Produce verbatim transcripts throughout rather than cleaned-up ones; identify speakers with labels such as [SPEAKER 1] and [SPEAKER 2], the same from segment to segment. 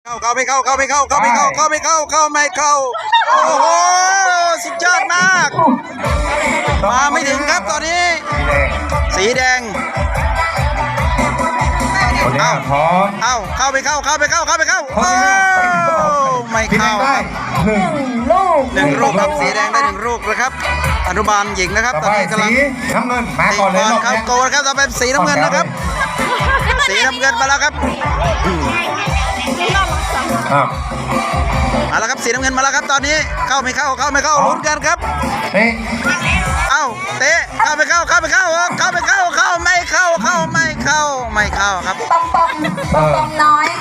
[SPEAKER 1] เข้าเข้าไม่เข้าเข้าไม่เข้าเข้าไม่เข้าเข้าไม่เข้าเข้าไม่เข้าโอ้โหสุดยอดมากมาไม่ถึงครับตอนนี้สีแดง
[SPEAKER 2] เอ้าพร้อม
[SPEAKER 1] เอ้าเข้าไม่เข้าเข้าไม่เข้าเข้าไม่เข้าโอ้ไม่เข้าครับ
[SPEAKER 2] หนึ่ง
[SPEAKER 3] ลูก
[SPEAKER 1] หนึ่งลูกครับสีแดงได้หนึ่งลูกนะครับอนุบาลหญิงนะครับตอนนี้กำลัง
[SPEAKER 2] น้ำเงินมาก่อนเลย
[SPEAKER 1] เข้าโกนะครับต่อไปสีน้ำเงินนะครับสีน้ำเงินมาแล้วครับมาแล้วครับสีน้ำเงินมาแล้วครับตอนนี้เข้าไม่เข้าเข้าไม่เข้าลุ้นกันครับ
[SPEAKER 2] เตะ
[SPEAKER 1] เอ้าเตะเข้าไม่เข้าเข้าไม่เข้าเข้าไม่เข้าเข้าไม่เข้าเข้าไม่เข้าไม่เข้าครับ
[SPEAKER 3] ปอมปอมปอมปอมน้อย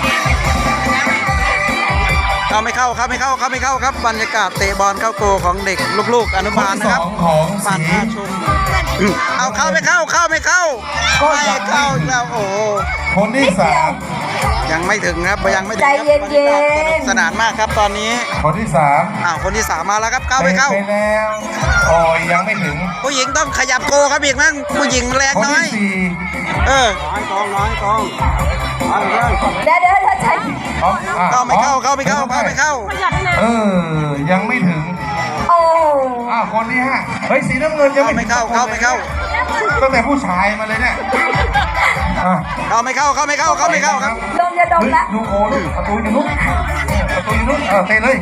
[SPEAKER 1] เข้าไม่เข้าเข้าไม่เข้าเข้าไม่เข้าครับบรรยากาศเตะบอลเข้าโกของเด็กลูกๆอนุบาลนะครับบ้านท่าชุมเอาเข้าไม่เข้าเข้าไม่เข้าไม่เข้าแล้วโอ้
[SPEAKER 2] คนที่สาม
[SPEAKER 1] ยังไม่ถึงครับยังไม่ถึง
[SPEAKER 3] ใจเย็นเย็น
[SPEAKER 1] สนานมากครับตอนนี้
[SPEAKER 2] คนที่สาม
[SPEAKER 1] อ้าวคนที่สามมาแล้วครับเข้าไม่เข้า
[SPEAKER 2] ไปแล้วโอ้ยยังไม่ถึง
[SPEAKER 1] ผู้หญิงต้องขยับโกครับอีกมั้งผู้หญิงแรงน้อยเออน้อยกองน้อยกอง
[SPEAKER 3] เดี๋ยวเดี๋ยวเดี๋ยวใช่
[SPEAKER 1] เข้าไม่เข้าเข้าไม่เข้าเข้าไม่เข้า
[SPEAKER 2] เออยังไม่ถึง
[SPEAKER 3] โอ้
[SPEAKER 2] อ้าวคนที่ห้าเฮ้ยสีน้ำเงินยัง
[SPEAKER 1] ไม่เข้าเข้าไม่เข้า
[SPEAKER 2] ตั้งแต่ผู้ชายมาเลยเนี่ย
[SPEAKER 1] เข้าไม่เข้าเข้าไม่เข้าเข้าไม่เข้าครับ
[SPEAKER 3] ดมจะดมละ
[SPEAKER 2] ดูโอ้ลูกประตูอยู่นู้นประตูอยู่นู้นเออเตะเลย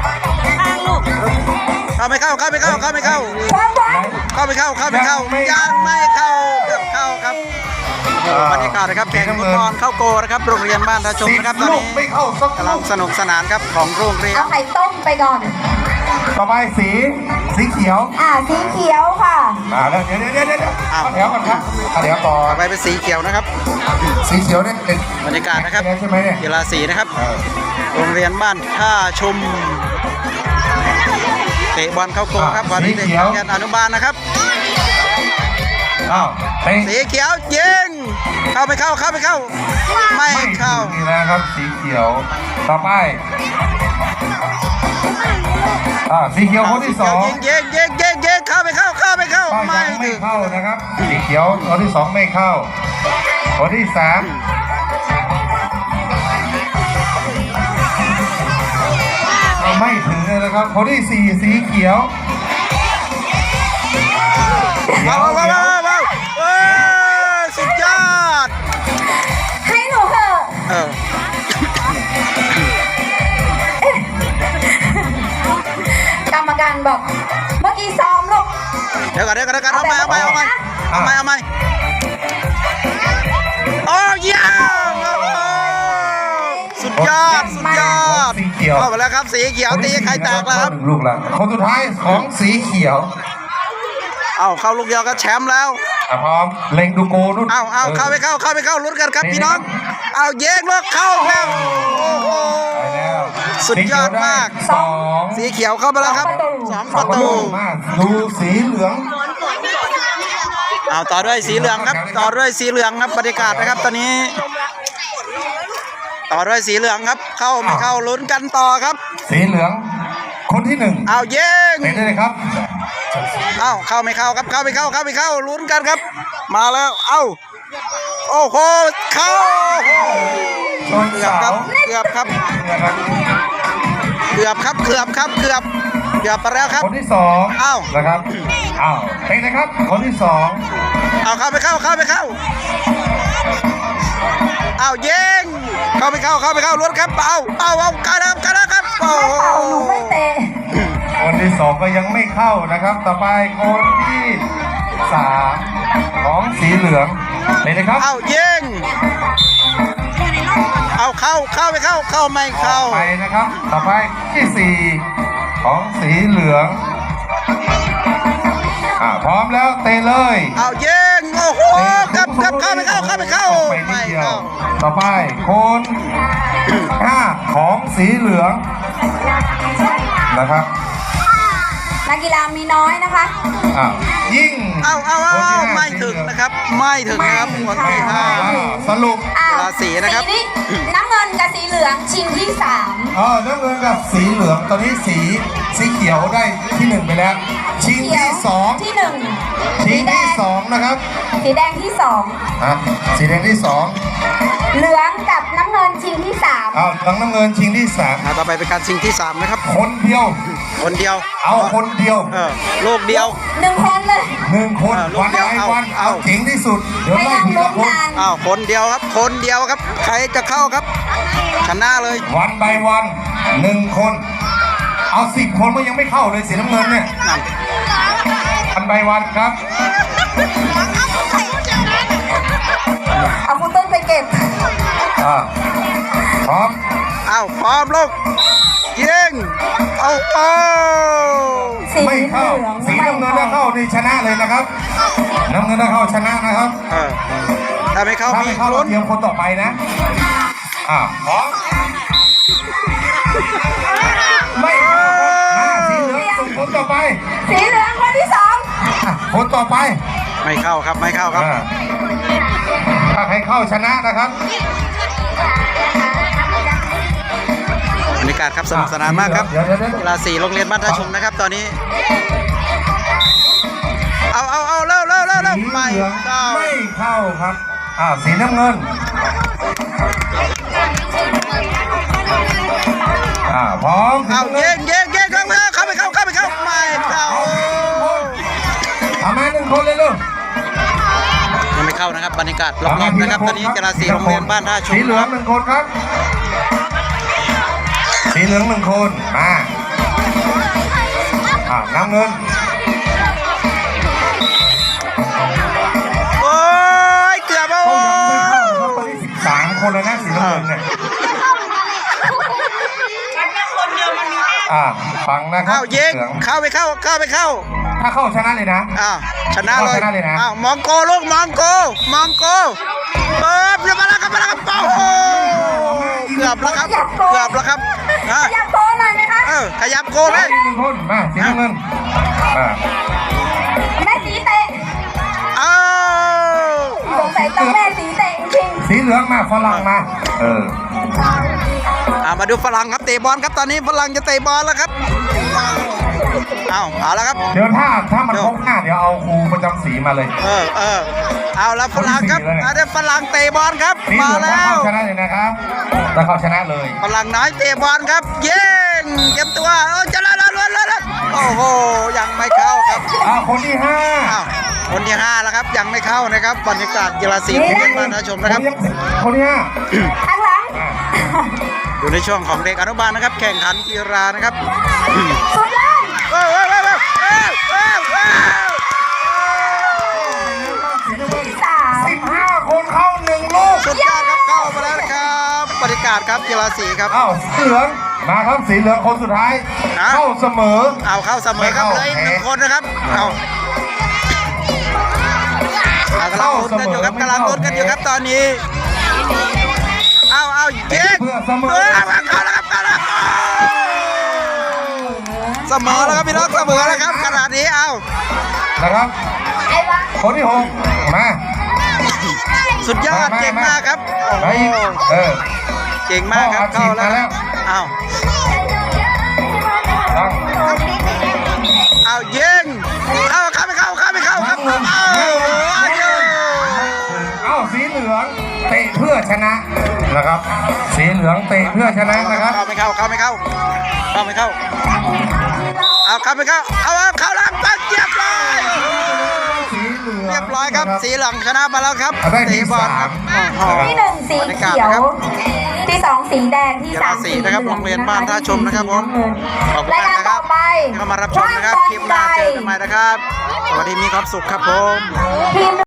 [SPEAKER 1] เข้าไม่เข้าเข้าไม่เข้าเข้าไม่เข้าเข้าไม่เข้าเข้าไม่เข้ายังไม่เข้าเกือบเข้าครับบรรยากาศนะครับแข่งฟุตบอลเข้าโกนะครับโรงเรียนบ้านท่าชมนะครับตอนนี้กำลังสนุกสนานครับของโรงเรียน
[SPEAKER 3] เอาไข่ต้มไปก่อน
[SPEAKER 2] ต่อไปสีสีเขียว
[SPEAKER 3] อ่าสีเขียวค่ะ
[SPEAKER 2] อ่าแล้วเดี๋ยวเดี๋ยวเดี๋ยวเดี๋ยวเดี๋ยวก่อนครับเดี๋ยวต่อ
[SPEAKER 1] ไปเป็นสีเขียวนะครับ
[SPEAKER 2] สีเขียวเนี่ย
[SPEAKER 1] บรรยากาศนะครับ
[SPEAKER 2] ใช่ไหมเนี่ย
[SPEAKER 1] กีฬาสีนะครับโรงเรียนบ้านท่าชมเตะบอลเข้าโกครับวันนี้เด็กแกนอนุบาลนะครับ
[SPEAKER 2] อ้าว
[SPEAKER 1] สีเขียวยิงเข้าไม่เข้าเข้าไม่เข้าไม่เข้า
[SPEAKER 2] นี่นะครับสีเขียวต่อไปอ่าสีเขียวคนที่สอง
[SPEAKER 1] ยิงยิงยิงยิงยิงเข้าไม่เข้าเข้าไม่เข้า
[SPEAKER 2] ไม่ไม่เข้านะครับสีเขียวคนที่สองไม่เข้าคนที่สามไม่ถึงเลยนะครับคนที่สี่สีเขียว
[SPEAKER 1] ว้าวว้าวว้าวว้าวสุดยอด
[SPEAKER 3] ให้หนูเถอะ
[SPEAKER 1] เออ
[SPEAKER 3] กรรมการบอกเมื่อกี้ซ้อมลูก
[SPEAKER 1] เดี๋ยวก่อนเดี๋ยวก่อนเดี๋ยวก่อนเอาใหม่เอาใหม่เอาใหม่เอาใหม่เอาใหม่โอ้ยสุดยอดสุดยอดเข้าไปแล้วครับสีเขียวตีใครแตกแล้วครับ
[SPEAKER 2] ลูกหลังคนสุดท้ายของสีเขียว
[SPEAKER 1] เอาเข้าลูกเดียวก็แชมป์แล้ว
[SPEAKER 2] พร้อมเล็งดูโกนู่น
[SPEAKER 1] เอาเอาเข้าไปเข้าเข้าไปเข้าลุ้นกันครับพี่น้องเอาเย้งลูกเข้าแล้วโอ้โหสุดยอดมาก
[SPEAKER 2] สอง
[SPEAKER 1] สีเขียวเข้ามาแล้วครับสองประตู
[SPEAKER 2] ดูสีเหลือง
[SPEAKER 1] เอาต่อด้วยสีเหลืองครับต่อด้วยสีเหลืองครับบรรยากาศนะครับตอนนี้ต่อด้วยสีเหลืองครับเข้าไม่เข้าลุ้นกันต่อครับ
[SPEAKER 2] สีเหลืองคนที่หนึ่ง
[SPEAKER 1] เอาเย้ง
[SPEAKER 2] เห็นเลยครับ
[SPEAKER 1] เอ้าเข้าไม่เข้าครับเข้าไม่เข้าเข้าไม่เข้าลุ้นกันครับมาแล้วเอ้าโอ้โหเข้าเกือบครับเกือบครับเกือบครับเกือบครับเกือบเกือบไปแล้วครับ
[SPEAKER 2] คนที่สอง
[SPEAKER 1] เอ้า
[SPEAKER 2] นะครับเอ้าเป็นนะครับคนที่สอง
[SPEAKER 1] เอาเข้าไม่เข้าเข้าไม่เข้าเอาเย้งเข้าไม่เข้าเข้าไม่เข้าลุ้นครับเอาเอาเอากันครับกันครับโอ้โห
[SPEAKER 3] หนูไม่เตะ
[SPEAKER 2] คนที่สองก็ยังไม่เข้านะครับต่อไปคนที่สามของสีเหลืองเลยนะครับ
[SPEAKER 1] เอายิงเอาเข้าเข้าไม่เข้าเข้าไม่เข้า
[SPEAKER 2] ไปนะครับต่อไปที่สี่ของสีเหลืองอ่าพร้อมแล้วเตะเลย
[SPEAKER 1] เอายิงโอ้โหกับกับเข้าไม่เข้าเข้าไม่เข้า
[SPEAKER 2] ไม่เข้าต่อไปคนห้าของสีเหลืองนะครับ
[SPEAKER 3] นักกีฬามีน้อยนะคะ
[SPEAKER 2] อ้าวยิง
[SPEAKER 1] เอาเอาเอาไม่ถึงนะครับไม่ถึงครับคนที่ห้า
[SPEAKER 2] สรุป
[SPEAKER 1] ราศีนะครับ
[SPEAKER 3] น้ำเงินกับสีเหลืองชิงที่สาม
[SPEAKER 2] อ๋อน้ำเงินกับสีเหลืองตอนนี้สีสีเขียวได้ที่หนึ่งไปแล้วชิงที่สอง
[SPEAKER 3] ที่หนึ่ง
[SPEAKER 2] ชิงที่สองนะครับ
[SPEAKER 3] สีแดงที่สอง
[SPEAKER 2] อ่ะสีแดงที่สอง
[SPEAKER 3] เหลืองกับน้ำเงินนชิงที่สาม
[SPEAKER 2] เอาเหลืองน้ำเงินชิงที่สาม
[SPEAKER 1] อ่าต่อไปเป็นการชิงที่สามนะครับ
[SPEAKER 2] คนเดียว
[SPEAKER 1] คนเดียว
[SPEAKER 2] เอาคนเดียว
[SPEAKER 1] เออลูกเดียว
[SPEAKER 3] หนึ่งคนเลย
[SPEAKER 2] หนึ่งคน
[SPEAKER 1] เออลูก
[SPEAKER 2] วัน
[SPEAKER 1] เดียว
[SPEAKER 2] ไป
[SPEAKER 1] เอา
[SPEAKER 2] วัน
[SPEAKER 1] เอา
[SPEAKER 2] เอาเจ๋งที่สุดเดี๋ยว
[SPEAKER 3] ให้
[SPEAKER 2] ไล่
[SPEAKER 3] นั่ง
[SPEAKER 2] ที
[SPEAKER 3] ลุ้
[SPEAKER 2] ละ
[SPEAKER 3] น
[SPEAKER 2] คน
[SPEAKER 3] กัน
[SPEAKER 1] อ้าวคนเดียวครับ คนเดียวครับ ใครจะเข้าครับชนะเลย
[SPEAKER 2] วันไปวันหนึ่งคน เอาสิบคนก็ยังไม่เข้าเลยสีน้ำเงินเนี่ย
[SPEAKER 1] นั่น
[SPEAKER 2] วันไปวันครับ
[SPEAKER 3] เอาคุณต้นไปเก็บ
[SPEAKER 2] อ่าพร้อม
[SPEAKER 1] อ้าวพร้อมลูกยิงเอาเอา
[SPEAKER 3] สี
[SPEAKER 2] ไม่
[SPEAKER 3] เหลื
[SPEAKER 2] เข้า
[SPEAKER 3] อง
[SPEAKER 2] สีน้ำเงินถ้าเข้านี่ชนะเลยนะครับ น้ำเงินถ้าเข้าชนะนะครับ
[SPEAKER 1] เออถ้าไม่เข้า
[SPEAKER 2] ถ้า
[SPEAKER 1] มี
[SPEAKER 2] ไม่เข้าเรา
[SPEAKER 1] ลุ้น
[SPEAKER 2] เตรียมคนต่อไปนะอ่าพร้อมไม่เข้ามาสีเหลืองส่งคนต่อไป
[SPEAKER 3] สีเหลืองคนที่สอง
[SPEAKER 2] อ่ะคนต่อไป
[SPEAKER 1] ไม่เข้าครับไม่เข้าครับ
[SPEAKER 2] อ่าถ้าใครเข้าชนะนะครับ
[SPEAKER 1] บรรยากาศครับสนุกสนานมากครับ
[SPEAKER 2] เดี๋ยวเดี๋ยวเดี๋ยว
[SPEAKER 1] กีฬาสีโรงเรียนบ้านท่าชุมนะครับ ตอนนี้ เอาเอาเอาเร็วเร็วเร็วเร็ว
[SPEAKER 2] สี
[SPEAKER 1] ไม่
[SPEAKER 2] เหลือง
[SPEAKER 1] เข้า
[SPEAKER 2] ไม่เข้าครับอ่าสีน้ำเงินอ่าพร้อมสี
[SPEAKER 1] เอา
[SPEAKER 2] น้ำเงิ
[SPEAKER 1] เย่
[SPEAKER 2] น
[SPEAKER 1] งเย่งเย่งเข้าไปเข้าไปเข้าเข้าไปเข้าไม่เข้า
[SPEAKER 2] เอามาหนึ่งคนเลยลูก
[SPEAKER 1] ยังไม่เข้านะครับบรรยากาศรอบๆนะครับตอนนี้กีฬาสีโรงเรียนบ้านท่าชุม
[SPEAKER 2] สีเหลืองหนึ่งคนครับ สีเหลืองหนึ่งคนมาอ่าน้ำเงิน
[SPEAKER 1] โอ้ยเกือบแล้ว
[SPEAKER 2] ก็
[SPEAKER 1] โอ้
[SPEAKER 2] ยังไม่เข้านะครับตอนนี้สิบสามคนเลยนะสีน้ำเงินเนี่ยอ่าฟังนะครั
[SPEAKER 1] เอา
[SPEAKER 2] บ
[SPEAKER 1] ยิง
[SPEAKER 2] เหลือง
[SPEAKER 1] เข้าไปเข้าเข้าไปเข้า
[SPEAKER 2] ถ้าเข้าชนะเลยนะ
[SPEAKER 1] อ้าวชนะเลย
[SPEAKER 2] ชนะเลยนะ
[SPEAKER 1] อ้าวมองโกลูกมองโกมองโกเปิดเรียบร้อยแล้วครับมาแล้วครับโอ้โหเกือบแล้วครับเกือบแล้วครับฮะ
[SPEAKER 3] อยากโตหน่อยไหมคะ
[SPEAKER 1] เออขยับโกเลย
[SPEAKER 2] หนึ่งคนมาสีน้ำเงินอ่า
[SPEAKER 3] แม่สีเตะ
[SPEAKER 1] อ้าว
[SPEAKER 3] สงสัยต้องแม่สีเตะจริง
[SPEAKER 2] สีเหลืองมาฝรั่งมา เออ
[SPEAKER 1] อ่ามาดูฝรั่งครับเตะบอลครับตอนนี้ฝรั่งจะเตะบอลแล้วครับเอาเอาแล้วครับ
[SPEAKER 2] เดี๋ยวถ้าถ้ามันครบห้าเดี๋ยวเอาครูประจำสีมาเลย
[SPEAKER 1] เออเออเอาแล้วฝรั่งครับ
[SPEAKER 2] คนที่สี่แล้วเนี่ย
[SPEAKER 1] อาเดี๋ยวฝรั่งเตะบอลครับ
[SPEAKER 2] สีเห
[SPEAKER 1] มา
[SPEAKER 2] ลืองถ้า
[SPEAKER 1] แล้ว
[SPEAKER 2] เข้าชนะเลยนะครับถ้าเข้าชนะเลย
[SPEAKER 1] ฝรั่งน้อยเตะบอลครับเย้งเตรียมตัวเออจะล้วนล้วนล้วนโอ้โหยังไม่เข้าครับ
[SPEAKER 2] อ่าคนที่ห้า
[SPEAKER 1] อ้าวคนที่ห้าแล้วครับยังไม่เข้านะครับบรรยากาศกีฬาสีโรงเรียนบ้านท่าชมนะครับ
[SPEAKER 2] คนที่ห้า
[SPEAKER 3] ๆข้างหลัง
[SPEAKER 1] อยู่ในช่วงของเด็กอนุบาลนะครับ แข่งขันกีฬานะครับ
[SPEAKER 3] สุดเลย
[SPEAKER 1] เว้าวว้าวว้าวว้าวว้าวว้าว
[SPEAKER 3] ที่สาม
[SPEAKER 2] สิบห้าคนเข้าหนึ่งลูก
[SPEAKER 1] สุดยอดครับเข้ามาแล้วนะครับบรรยากาศครับกีฬาสีครับ
[SPEAKER 2] อ้าวสีเหลืองมาครับสีเหลืองคนสุดท้าย
[SPEAKER 1] ฮะ
[SPEAKER 2] เข้าเสมอ
[SPEAKER 1] เอาเข้าเสมอครับเหลยหนึ่งคนนะครับเอาเอากำลังลุ้นกันอยู่ครับกำลังลุ้นกันอยู่ครับตอนนี้เอาเอาเย็น
[SPEAKER 2] เพื่อเสมอ
[SPEAKER 1] เออเข้าแล้วครับเข้าแล้วเสมอแล้วครับพี่น้องเสมอแล้วครับขนาดนี้เอา
[SPEAKER 2] นะครับ
[SPEAKER 3] ไอ้วะ
[SPEAKER 2] คนที่หกมา
[SPEAKER 1] สุดยอดเก่งมากครับโอ้
[SPEAKER 2] ไป
[SPEAKER 1] โห
[SPEAKER 2] เออ
[SPEAKER 1] เก่งมากครับ
[SPEAKER 2] พ่อ
[SPEAKER 1] เข้า
[SPEAKER 2] อัดฉีดมาแล้
[SPEAKER 1] แล้ว
[SPEAKER 2] ว
[SPEAKER 1] เอา
[SPEAKER 2] ตั้ง
[SPEAKER 1] เอายิงเอาเข้าไม่เข้าเข้าไม่เข้าครับเอาเอาเยอะ
[SPEAKER 2] เอ้าสีเหลืองเตะเพื่อชนะนะครับ สีเหลืองเตะเพื่อชนะนะครับ
[SPEAKER 1] เข้าไม่เข้าเข้าไม่เข้าเข้าไม่เข้าเอาเข้าไม่เข้าเอาเอาเข้าแล้วปังเรียบร้อย
[SPEAKER 2] สีเหลือง
[SPEAKER 1] เรียบร้อยครับสีเหลืองชนะมาแล้วครับ
[SPEAKER 2] ได้
[SPEAKER 1] เตะ
[SPEAKER 2] ที่
[SPEAKER 1] บอล
[SPEAKER 2] สา
[SPEAKER 1] ครั
[SPEAKER 2] ม
[SPEAKER 1] บโอ้โห
[SPEAKER 3] ที่หนึ่งสี
[SPEAKER 1] บรรยากาศ
[SPEAKER 3] เขียว
[SPEAKER 1] นะครับ
[SPEAKER 3] ที่สองสีแดงที่
[SPEAKER 1] กี
[SPEAKER 3] สา
[SPEAKER 1] ฬาม สี
[SPEAKER 3] สี
[SPEAKER 1] นะครับ
[SPEAKER 3] เหลื
[SPEAKER 1] โร
[SPEAKER 3] อง
[SPEAKER 1] งเรียนบ้านท่าชมนะครับผมขอบคุณ
[SPEAKER 3] ราย
[SPEAKER 1] มาก
[SPEAKER 3] การ
[SPEAKER 1] นะค
[SPEAKER 3] ต่
[SPEAKER 1] รั
[SPEAKER 3] อบ ไป
[SPEAKER 1] ที่เข้ามารับชมนะครับคลิปหน้าเจอกันใหม่นะครับสวัสดีมีความสุขครับผม
[SPEAKER 3] ทีม